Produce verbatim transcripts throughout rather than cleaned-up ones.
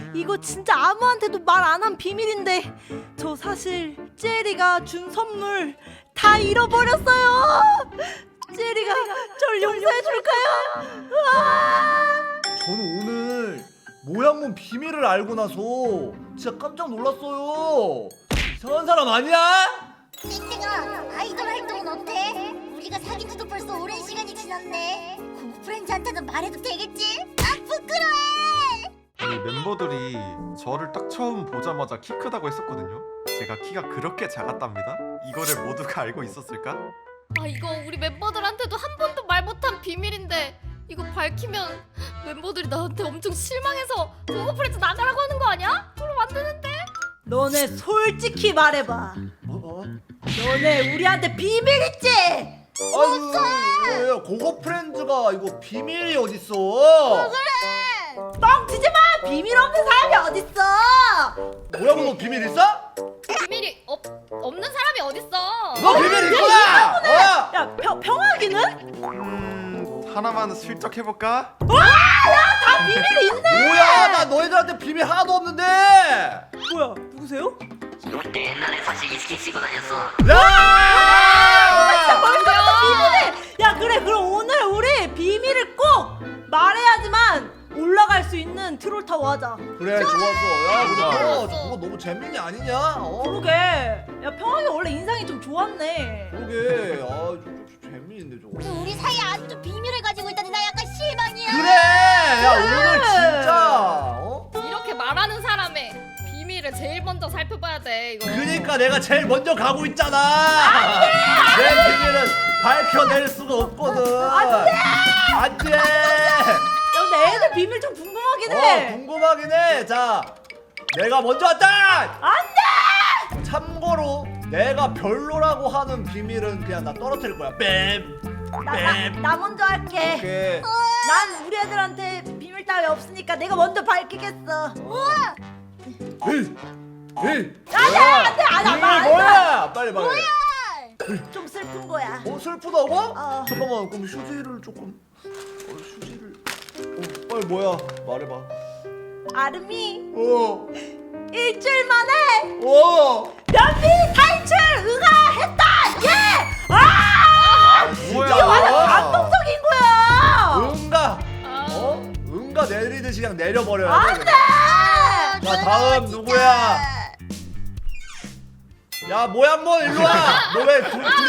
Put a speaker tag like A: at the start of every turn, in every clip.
A: 이거 진짜 아무한테도 말 안 한 비밀인데 저 사실 제리가 준 선물 다 잃어버렸어요. 제리가 절 용서해 줄까요?
B: 저는 오늘 모양문 비밀을 알고 나서 진짜 깜짝 놀랐어요. 이상한 사람 아니야?
C: 땡땡아, 아이돌 활동은 어때? 우리가 사귄 지도 벌써 오랜 시간이 지났네. 그 프렌즈한테는 말해도 되겠지? 아, 부끄러워!
D: 이 멤버들이 저를 딱 처음 보자마자 키 크다고 했었거든요. 제가 키가 그렇게 작았답니다. 이거를 모두가 알고 있었을까?
E: 아 이거 우리 멤버들한테도 한 번도 말 못한 비밀인데 이거 밝히면 멤버들이 나한테 엄청 실망해서 고고 프렌즈 나가라고 하는 거 아니야? 그럼 안 되는데?
A: 너네 솔직히 말해봐.
B: 뭐? 뭐?
A: 너네 우리한테 비밀 있지?
B: 아유, 뭐야, 고고 프렌즈가 이거 비밀이 어딨어?
A: 뻥치지 마! 비밀 없는 사람이 어딨어?
B: 모양문 너 비밀 있어?
E: 비밀이 없, 없는 사람이 어딨어?
B: 너 비밀 있구나! 어?
A: 야, 평, 평화기는?
D: 음... 하나만 슬쩍 해볼까?
A: 다 비밀이 있네!
B: 뭐야, 나 너희들한테 비밀 하나도 없는데!
A: 뭐야, 누구세요?
F: 롯데 옛날에 사실 이스키 치고 다녔어.
B: 야!
A: 벌써부터 비밀해! 야, 그래, 그럼 오늘 우리 비밀을 꼭 말해야지만 올라갈 수 있는 트롤타워 하자.
B: 그래, 좋았어. 야, 근데
D: 좋아.
B: 그거 저거 너무 재민이 아니냐? 어?
A: 그러게. 야, 평화기 원래 인상이 좀 좋았네.
B: 그러게. 아, 저, 저, 재민인데 저거.
C: 우리 사이에 아직도 비밀을 가지고 있다니 나 약간 실망이야.
B: 그래! 야, 오늘 진짜! 어?
E: 이렇게 말하는 사람의 비밀을 제일 먼저 살펴봐야 돼 이거.
B: 그니까 내가 제일 먼저 가고 있잖아! 내 비밀은 밝혀낼 수가 없거든! 안 돼! 안 돼!
A: 야, 근데 애들 비밀 좀 궁금하긴 해.
B: 어, 궁금하긴 해! 자, 내가 먼저 왔다!
A: 안 돼!
B: 참고로 내가 별로라고 하는 비밀은 그냥 나 떨어뜨릴 거야. 뺨!
A: 나, 나,
B: 뺨!
A: 나 먼저 할게.
B: 오케이.
A: 난 우리 애들한테 비밀 따위 없으니까 내가 먼저 밝히겠어. 우와!
B: 에이! 에이!
A: 아니야, 안 돼, 안 돼,
B: 비밀
A: 안 돼.
B: 뭐야! 빨리 말해.
A: 좀 슬픈 거야.
B: 어, 슬프다고?
A: 어.
B: 잠깐만, 그럼 휴지를 조금. 어, 휴지를. 어, 빨리 뭐야? 말해봐.
A: 아름이
B: 어,
A: 일주일 만에
B: 어.
A: 연비 탈출 응하했다. 예! 아!
D: 뭐야?
A: 이게 완전 감동적인 거야.
B: 응가.
E: 아,
B: 어? 응가 내리듯이 그냥 내려버려야
A: 안
B: 돼.
A: 돼.
B: 자, 다음 누구야? 야, 모양몬 일로 와. 너 왜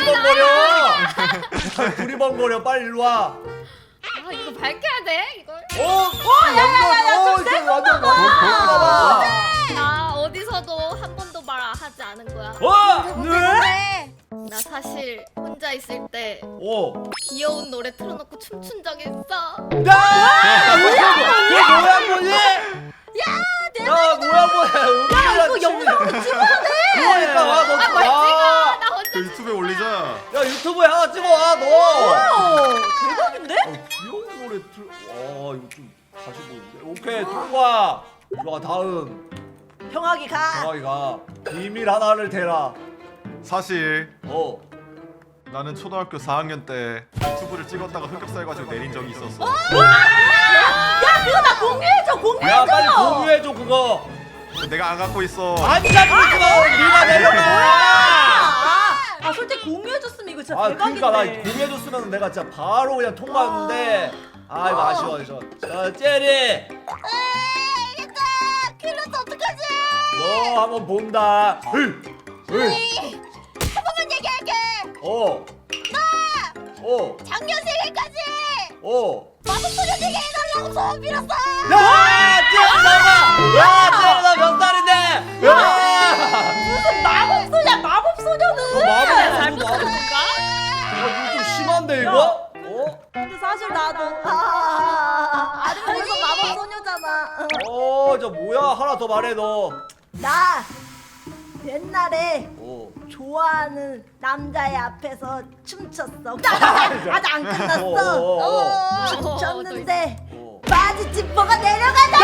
B: 두리번거려? 두리번거려. 빨리 일로 와.
E: 아 이거 밝혀야 돼 이걸.
B: 어, 어,
A: 야야야야,
B: 어,
A: 좀
B: 이제
A: 센
B: 완전
A: 거 봐.
E: 나 어디서도 한 번도 말 하지 않은 거야.
B: 어,
C: 네.
E: 나 사실 혼자 있을 때
B: 어.
E: 귀여운 노래 틀어놓고 춤춘 적 있어.
B: 야! 뭐야? 모양몬이? 야, 모양몬.
A: 야, 이거 영상으로 찍어야 돼.
B: 그러니까 와, 너
E: 아, 뭘
B: 와.
E: 찍어? 나 혼자.
D: 그 유튜브에 올리자.
B: 야, 유튜브에 하나 찍어 와, 너.
A: 오, 대박인데?
B: 어, 귀여운 노래 틀. 와, 이거 좀 다시 보는데. 오케이, 통과. 일로 와, 다음.
A: 평화기 가.
B: 정학이가 비밀 하나를 대라.
D: 사실
B: 어.
D: 나는 초등학교 사 학년 때 유튜브를 찍었다가 흑역사 해가지고 내린 적이 있었어.
A: 야, 그거 나 공유해줘, 공유해줘.
B: 야, 빨리 공유해줘 그거.
D: 내가 안 갖고 있어.
B: 안 잡고 있어. 네가 내려가.
A: 아, 아, 솔직히 공유해줬으면 이거 진짜
B: 아,
A: 대박인데.
B: 그러니까 나 공유해줬으면 내가 진짜 바로 그냥 통과했는데. 아, 이거 아쉬워, 아쉬워. 자, 제리.
C: 알겠다. 큰일 났어. 어떡하지?
B: 너 한번 본다. 으이, 으이.
C: 한 번만 얘기할게.
B: 어. 어.
C: 작년 생일까지
B: 어.
C: 마법소녀 되게 해달라고 소원 빌었어.
B: 야, 쟤나가. 야, 쟤나 몇 살인데? 야.
A: 무슨 마법소냐, 마법소녀는.
B: 너 마법
E: 잘못
B: 마법.
E: 들은 건가?
B: 야, 이거 좀 심한데 이거? 어?
A: 근데 사실 나도 아, 아름다워서 마법소녀잖아.
B: 어, 저 뭐야? 하나 더 말해 너.
A: 나 옛날에
B: 어.
A: 좋아하는 남자의 앞에서 춤췄어. 아직, 아직 안
B: 어,
A: 끝났어.
B: 어, 어, 어.
A: 춤췄는데
B: 어.
A: 바지 지퍼가 내려간다.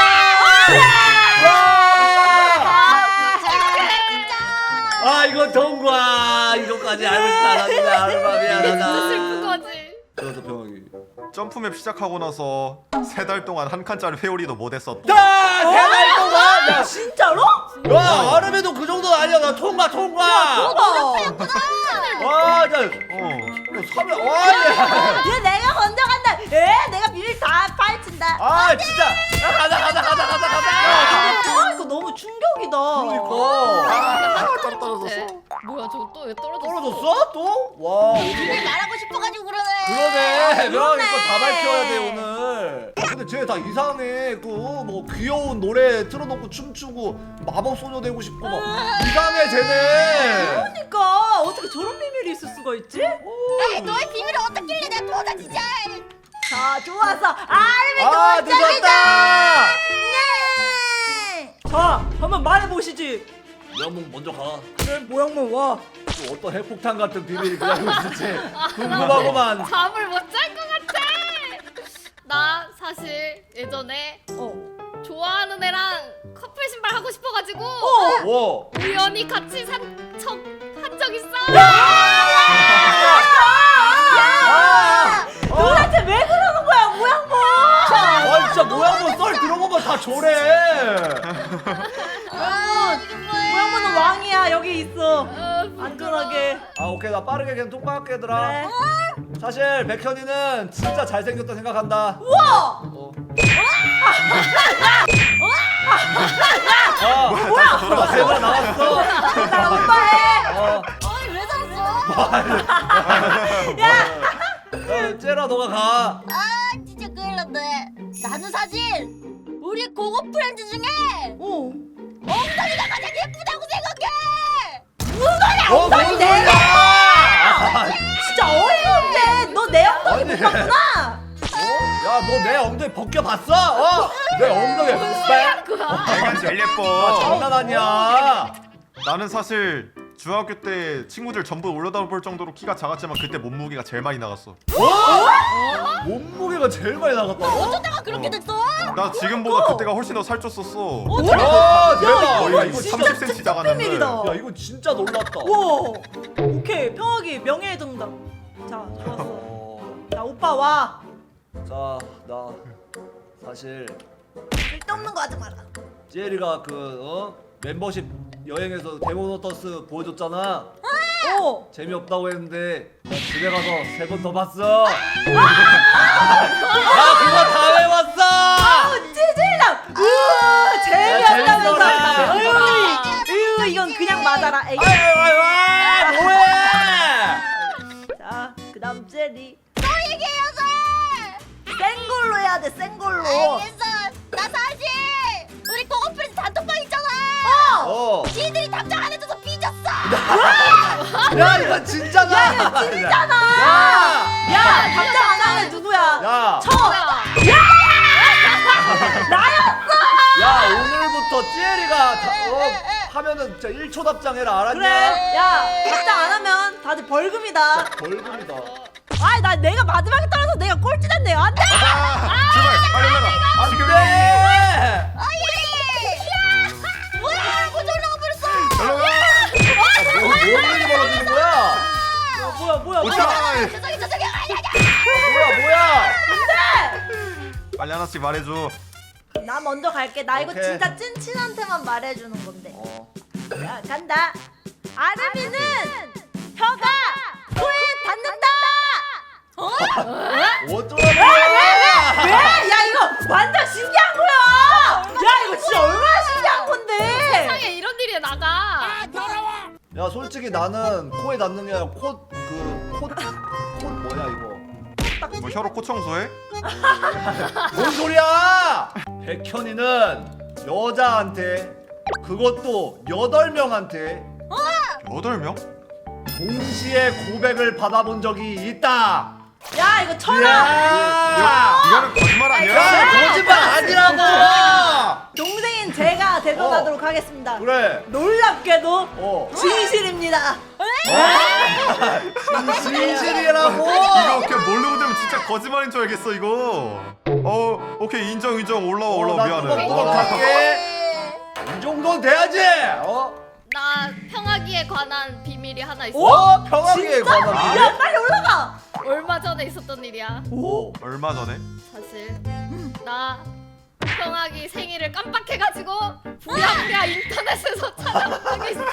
B: 아, 이거 통과. 이거까지 알고 싶지 않았는데 아르마
E: 진짜
B: 미안하다.
E: 슬픈 거지.
B: 그래서 병학이
D: 점프맵 시작하고 나서 세 달 동안 한 칸짜리 회오리도 못했어. 또.
B: 야, 세달 동안. 야,
A: 진짜로?
B: 야, 아름이도 그 정도는 아니야. 나 통과, 통과.
A: 어.
B: 와, 나
D: 어.
B: 사면 와, 얘.
A: 얘 내가 먼저 간다. 에 내가 비밀 다 파헤친다.
B: 아, 진짜. 야, 가자, 가자, 가자, 가자, 가자.
A: 아 이거 너무 충격이다.
B: 그러니까.
D: 따로 떨어졌어.
E: 뭐야 저거 또 왜 떨어졌어?
B: 떨어졌어? 또? 와,
C: 비밀 말하고 싶어가지고 그러네.
B: 그러네. 그러니까
A: 그러네.
B: 다 밝혀야 돼 오늘. 아, 근데 쟤 다 이상해. 그 뭐 귀여운 노래 틀어놓고 춤추고 마법 소녀 되고 싶고 막 이상해 쟤네.
A: 그러니까 어떻게 저런 비밀이 있을 수가 있지?
C: 에이, 너의 비밀을 어떻길래 내가 도다 진짜.
A: 자 좋았어. 아름이
B: 아, 늦었다.
A: 예. 자 한번 말해보시지.
B: 영웅 먼저 가.
A: 그래 모양만 와.
B: 또 어떤 핵폭탄 같은 비밀이 기다리고 있을지 궁금하구만.
E: 잠을 못 잘 것 같아. 나 사실 예전에
A: 어.
E: 좋아하는 애랑 커플 신발 하고 싶어가지고
A: 어.
B: 오.
E: 우연히 같이 산 척 한 적 있어.
B: 아.
A: 도대체 왜 그러는 거야 모양만?
B: 아, 진짜 모양만 썰 들어보면 다 저래.
C: 아, 이게 뭐야?
A: 모양만은 왕이야 여기 있어.
E: 어,
A: 안전하게.
B: 아, 오케이, 나 빠르게 그냥 통과할게 얘들아.
A: 그래.
B: 사실 백현이는 진짜 잘생겼다 생각한다.
A: 우와.
B: 어. 아, 뭐야? 대박 나왔어.
A: 나 오빠 해.
B: 어.
C: 아니 왜 살았어?
A: 야.
B: 야, 쟤라 너가 가.
C: 아 진짜 큰일 났네. 나는 사실 우리 고고 프렌즈 중에
A: 어.
C: 엉덩이가 가장 예쁘다고 생각해.
B: 어, 뭔
A: 엉덩이
B: 소리야? 아,
A: 진짜 어이가 없네. 너 내 엉덩이
B: 아니.
A: 못 봤구나.
B: 어? 야, 너 내 엉덩이 벗겨봤어? 어? 내 엉덩이 빡!
D: 내가 제일
B: 아,
D: 예뻐.
B: 장난 아니야.
D: 나는 사실 중학교 때 친구들 전부 올려다 볼 정도로 키가 작았지만 그때 몸무게가 제일 많이 나갔어.
B: 어? 몸무게가 제일 많이 나갔다고?
C: 어쩌다가 그렇게
D: 어.
C: 됐어?
D: 나 지금보다 그때가 훨씬 더 살쪘었어.
B: 와, 대박.
D: 거의
B: 야,
D: 이거
B: 이거
D: 삼십 센티미터 작았는데.
A: 비밀이다.
B: 야, 이거 진짜 놀랐다.
A: 와. 오케이 평화기 명예의 정답. 자 좋았어.
B: 어,
A: 자 오빠 와.
B: 자, 나 사실
A: 쓸데없는 거 하지 마라.
B: 제리가 그 어? 멤버십 여행에서 데모노터스 보여줬잖아.
A: 어.
B: 재미없다고 했는데 나 집에 가서 세 번 더 봤어. 나 그거 다 외웠어.
A: 아 찌질남. 으 재미없다면서.
B: 재밌어라.
A: 으, 으 이건 그냥 맞아라. 에이.
B: 아유, 아유, 아유, 뭐해?
A: 자 그다음 제리.
C: 또 얘기해요,
A: 센 걸로 해야 돼. 센 걸로.
C: 알겠어. 나 사실 우리 고고 프렌즈 단톡방 있잖아.
B: 어.
C: 지들이 답장 안 해줘서 삐졌어.
B: 야, 이거 진짜다. 야, 이거
A: 찐이잖아.
B: 야,
A: 야 답장 안 하는 누구야?
B: 야,
A: 저.
B: 야, 오늘부터 찌엘이가 다, 어, 하면은 진짜 일 초 답장해라, 알았냐?
A: 그래. 야 답장 안 하면 다들 벌금이다.
B: 벌금이다.
A: 아이 나 내가 마지막에 떨어서 내가 꼴찌 됐네요. 안돼.
D: 제발 빨리 올라가. 지금
B: 네.
C: 뭐야? 뭐 저리 나와버렸어.
D: 올라가.
B: 뭐, 뭔 일이 벌어지는 거야?
A: 야, 뭐야 뭐야 뭐야.
D: 오차.
C: 저기 저기 아니 아니.
B: 뭐야, 뭐야?
D: 빨리 하나씩 말해줘.
A: 나 먼저 갈게. 나 이거
B: 오케이.
A: 진짜 찐친한테만 말해주는 건데.
B: 어.
A: 자 간다. 아르미는 혀가 코에 닿는다. 어?
B: 어쩌라는 거야?
A: 왜? 야 이거 완전 신기한 거야. 야 이거 진짜 얼마나 신기한 건데.
E: 세상에 이런 일이 나가.
B: 야, 솔직히 나는 코에 닿는 게 아니라 코, 그, 코, 코 뭐야, 이거?
D: 뭐 혀로 코 청소해?
B: 뭔 소리야? 백현이는 여자한테 그것도 여덟 명한테
D: 여덟 명?
B: 동시에 고백을 받아본 적이 있다.
A: 야 이거 천하.
B: 야,
D: 이거는 거짓말 아니야?
B: 야, 거짓말 아니라고.
A: 동생인 제가 대변하도록 하겠습니다.
B: 그래.
A: 놀랍게도
B: 어.
A: 진실입니다.
B: 진실이라고.
D: 이거 그냥 모르고 되면 진짜 거짓말인 줄 알겠어 이거. 어 오케이 인정 인정 올라와 올라와 미안해.
B: 뚜벅뚜벅
D: 어.
B: 갈게. 이 정도는 돼야지. 어?
E: 나 평화기에 관한 비밀이 하나 있어.
B: 어? 평화기에 관한
A: 야
B: 비밀?
A: 빨리 올라가.
E: 얼마 전에 있었던 일이야.
B: 오.
D: 얼마 전에?
E: 사실 나 평하기 생일을 깜빡해가지고 부랴부랴 인터넷에서 찾아본 적이 있어.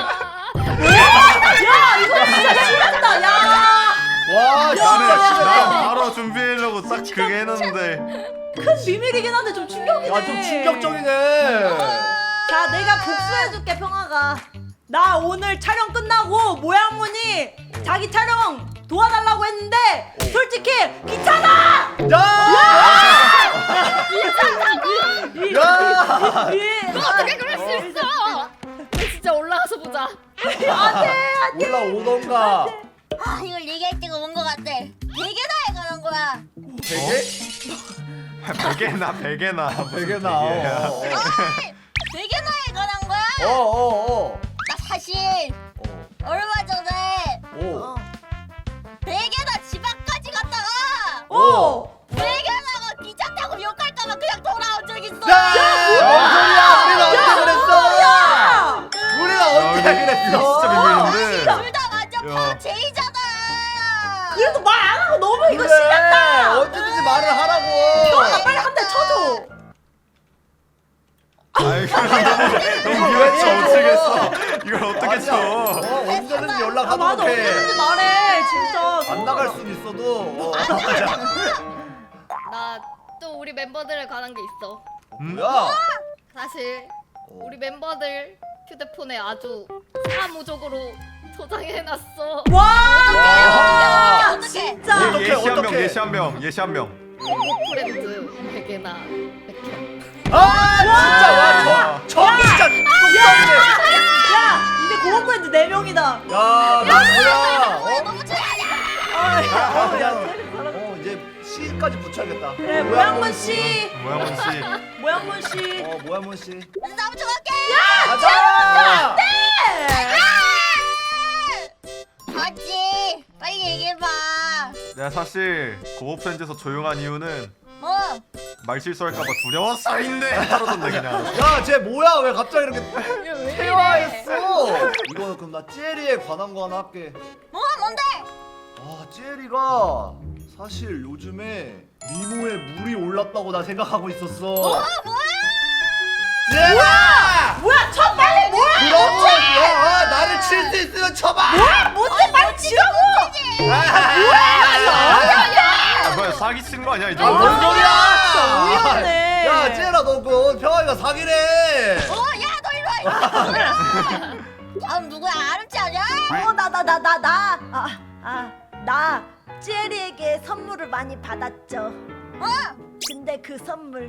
A: 야 이거 진짜 심했다. 야.
B: 와
D: 나는
B: 진짜 심했다.
D: 난 바로 준비하려고 딱 그게 했는데
A: 큰 비밀이긴 한데 좀 충격이네.
B: 야좀 충격적이네.
A: 자 내가 복수해줄게 평화가. 나 오늘 촬영 끝나고 모양문이 자기 촬영 도와달라고 했는데 솔직히 귀찮아.
B: 야! 야!
A: 이-
E: 어떻게 그럴 수 있어? 진짜 올라가서 보자.
B: 올라오던가.
C: 아 이걸 얘기할 때가 온 것 같아. 베개나에 관한 거야.
B: 되게?
D: 베개나 베개나
B: 되게나.
D: 베개야.
B: 어,
C: 어이! 베개나에 관한 거야.
B: 어, 어, 어.
C: 나 사실
B: 어.
C: 얼마 전에
B: 오.
C: 베개나 집 앞까지 갔다가
A: 오.
C: 베개나가 기차 타고 욕할까봐 그냥 돌아온 적 있어.
B: 야! 뭔 소리야? 우리가 언제 그랬어?
A: 야.
B: 우리가 언제 그랬어?
D: 진짜 비밀인데.
C: 둘 다 완전
D: 야.
C: 바로 제이잖아.
A: 그래도 말 안 하고 너무 이거
B: 그래,
A: 심했다.
B: 언제든지 말을 하라고.
A: 평화 빨리 한 대 쳐줘.
D: 아이 그럼 너무 너무 미웠지 어쩌겠어. 이걸 어떻게
B: 아니야.
D: 쳐?
B: 어, 언제든지
A: 아
B: 연락하도록
A: 맞아 언제든지
B: 해.
A: 말해 진짜.
B: 안 나갈 순 있어도. 어.
E: 나 또 우리 멤버들에 관한 게 있어.
D: 음?
B: 야.
E: 사실 우리 멤버들 휴대폰에 아주 사무적으로 저장해놨어.
A: 와.
B: 와.
A: 야, 진짜.
D: 예,
B: 어떡해,
D: 예시 한 명,
B: 어떡해.
D: 예시 한 명, 예시 한 명.
E: 프렌드 베개나 백현.
B: 아 진짜 와. 저, 저 진짜 뚝딱이네.
A: 야 이제 고원프렌드 네 명이다.
B: 야, 나 뭐야?
C: 뭐야
B: 어?
C: 너무 좋아하냐?
B: 아,
A: 어,
B: 그냥 어 이제 시까지 붙여야겠다.
A: 그래 모양문 씨.
D: 모양원 씨.
A: 모양문 씨.
B: 어 모야문 씨.
C: 너무 좋아할게.
B: 가자.
C: 맞지? 빨리 얘기해봐.
D: 내가 사실 고어 프렌즈에서 조용한 이유는
C: 어?
D: 말 실수할까봐 두려워서인데 떨어졌네 그냥.
B: 야, 쟤 뭐야? 왜 갑자기 이렇게
E: 왜
B: 퇴화했어? 이거는 그럼 나 젤리에 관한 거 하나 할게.
C: 뭐 뭔데?
B: 아, 젤리가 사실 요즘에 미모에 물이 올랐다고 나 생각하고 있었어.
C: 어 뭐야?
B: 젤아!
A: 뭐야 쳐 빨리 뭐야.
B: 그러고 야, 나를 칠 수 있으면 쳐봐.
A: 뭐야 못해 빨리 치라고.
D: 아, 뭐야 사기 치는 거 아니야 이
B: 아, 뭔
D: 정도?
B: 소리야?
A: 진짜 위험해.
B: 야, 젤아, 너그 평화이가 사기래.
C: 어? 야 너 일로 와. 다음 누구야? 아름치 아니야?
A: 어나 나 나 나 나 아 아 나 젤리에게 선물을 많이 받았죠.
C: 어?
A: 근데 그 선물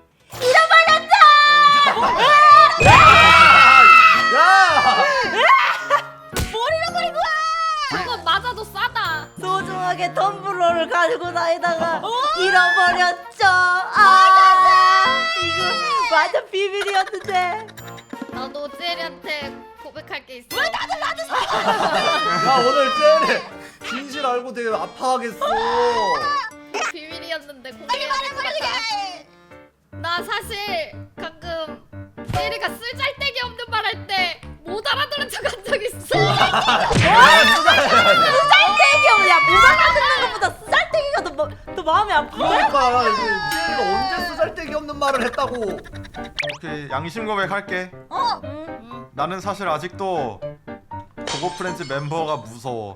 B: 야!
C: 뭘 잃어버린 거야?
E: 그거 맞아도 싸다.
A: 소중하게 텀블러를 가지고 다니다가 잃어버렸죠. 아 이거 완전 비밀이었는데.
E: 나도 젤리한테 고백할 게 있어.
B: 야, 오늘 젤리 진실 알고 되게 아파하겠어.
E: 비밀이었는데 공개해야 될 것 같아. 나 사실 가끔 젤리가 쓸잘데기 없는 말 할 때 못 알아들은 척 한 적 있어.
A: 쌀떼기 야 무사가 듣는 것보다 쌀떼기가 더, 마- 더 마음이 아픈데?
B: 그러니까 이제 젤리가 언제 쓰잘데기 없는 말을 했다고.
D: 오케이 양심 고백할게.
C: 어?
D: 나는 사실 아직도 고고 프렌즈 멤버가 무서워.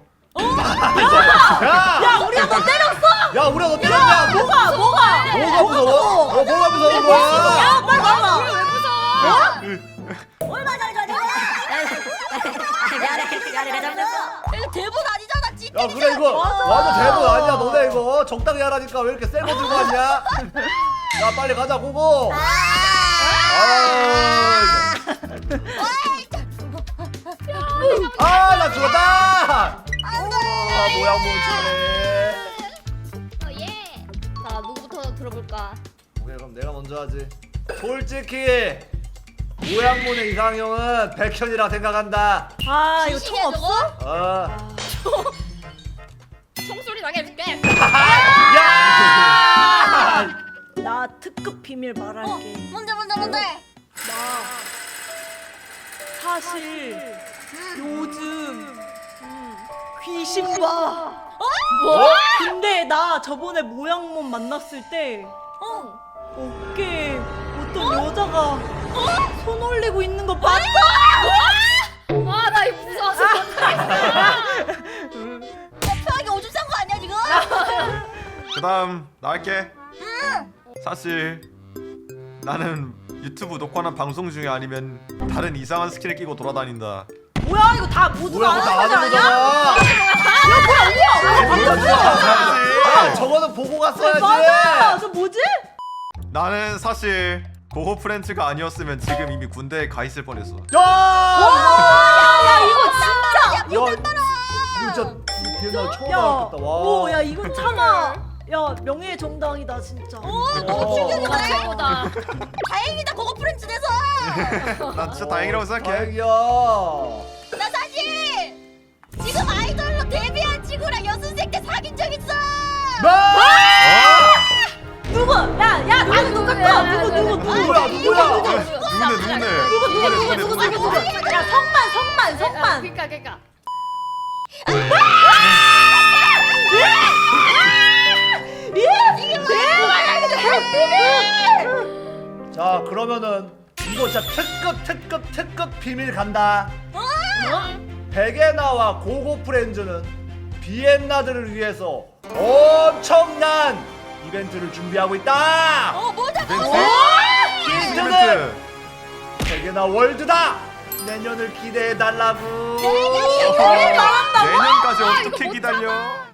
B: 야!
A: 야 우리가 너 때렸어!
B: 야, 우리가 너 때렸냐? 뭐,
A: 뭐가 뭐가
B: 뭐가 무서워? 어, 뭐가 무서운 거야?
A: 야 빨리 와봐.
E: 왜 무서워?
C: 얼마 전에 전에 이거 대본 아니잖아 찐.
B: 야, 그래 이거 완전 대본 아니야. 너네 이거 적당히 하라니까 왜 이렇게 센거 들고 왔냐? 야, 빨리 가자, 고고. 아, 나 죽었다.
C: 안돼.
B: 아, 뭐야, 뭐 저래.
E: 어, 예. 자 누구부터 들어볼까?
B: 오케이, 그럼 내가 먼저 하지. 솔직히 모양문의 이상형은 백현이라 생각한다.
A: 아 이거 총 없어?
B: 어.
E: 총소리 나게 해줄게.
B: 야!
A: 나 특급 비밀
C: 어?
A: 말할게.
C: 뭔데 뭔데 뭔데?
A: 나 사실 요즘 귀신 봐.
C: 어?
E: 뭐?
A: 근데 나 저번에 모양몸 만났을 때
C: 어.
A: 어깨에 어떤 여자가 손 올리고 있는 거 봤어?
E: 아, 나 이거 무서워서
C: 편하게 오줌 싼 거 아니야 지금?
D: 그다음 나 할게. 사실 나는 유튜브 녹화나 방송 중에 아니면 다른 이상한 스킨을 끼고 돌아다닌다.
A: 뭐야 이거 다 모두
B: 뭐야
A: 다
B: 그거
A: 아는
B: 다
A: 거지
B: 아는
A: 아니야?
B: 거잖아. 아, 저거는 보고 갔어야지.
A: 맞아. 저 뭐지?
D: 나는 사실 고고 프렌즈가 아니었으면 지금 이미 군대에 가 있을 뻔했어.
B: 야!
A: 야 이거 진짜.
B: 야, 이거 진짜 비엔나 처음
A: 야,
B: 알았겠다. 와.
A: 오, 야 이건 참아. 야 명예의 정당이다 진짜.
C: 너무 충격이다.
E: 아, 최고다.
C: 다행이다 고고 프렌즈 돼서.
D: 나 진짜 다행이라고 생각해.
B: 다행이야.
C: 나 사실 지금 아이돌로 데뷔한 친구랑 연습생 때 사귄 적 있어.
A: 누구? 야, 야, 나는 똑같아. 누구, 누구, 누구?
B: 누구야, 누구야?
D: 누군데 누군데?
A: 누구, 누구, 누구, 누구, 누구, 누구? 야, 성만, 성만,
E: 아,
A: 성만.
E: 그니까 그니까.
B: 자, 그러면은 이거 진짜 특급 특급 특급 비밀 간다. 베게나와 고고 프렌즈는 비엔나들을 위해서 엄청난 이벤트를 준비하고 있다.
C: 어 뭐다
D: 이벤트?
B: 힌트는
D: 이벤트.
B: 베게나 월드다. 내년을 기대해 달라고.
A: 뭘 말한다고?
D: 내년까지
E: 아, 이거
D: 어떻게
E: 못
D: 기다려?